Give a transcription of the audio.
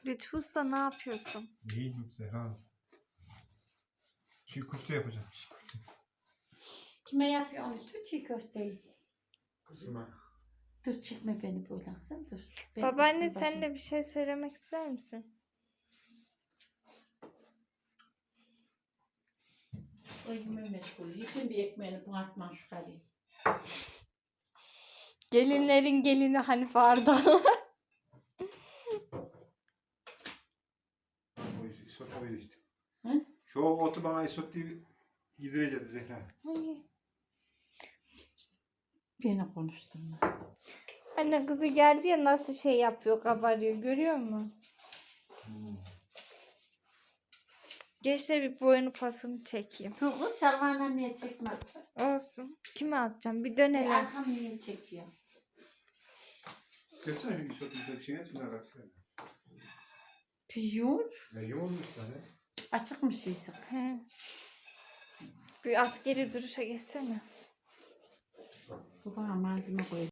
Lütfü Usta ne yapıyorsun? İyiyim Zehra Hanım. Çiğ köfte yapacağım. Çiğ köfte. Kime yapıyorsun lütfen çiğ köfteyi? Kızıma. Dur çekme beni böyle kızım dur. Ben Babaanne üstüm sen başım- de bir şey söylemek ister misin? Oyunuma meşgul. Yesin bir ekmeğini bu atman şu karıyı. Gelinlerin gelini Hanife Ardal. O isot öyle işte. Hı? Şu otu bana isot diye yedireceğiz Zehra. Beni konuşturma. Anne kızı geldi ya nasıl şey yapıyor, kabarıyor görüyor musun? Gençler bir boyunu pasını çekeyim. Dur kız şalvarla niye çekmezsin? Olsun. Kime atacağım? Bir dönelim. Arkam niye çekiyor? Geçsene şu isot bir şeyine şunlar baksana. Piyur. Ya yoğunmuş sana. Açık mı şeysin? He. Bir askeri duruşa geçsene. Bu bana malzeme koy.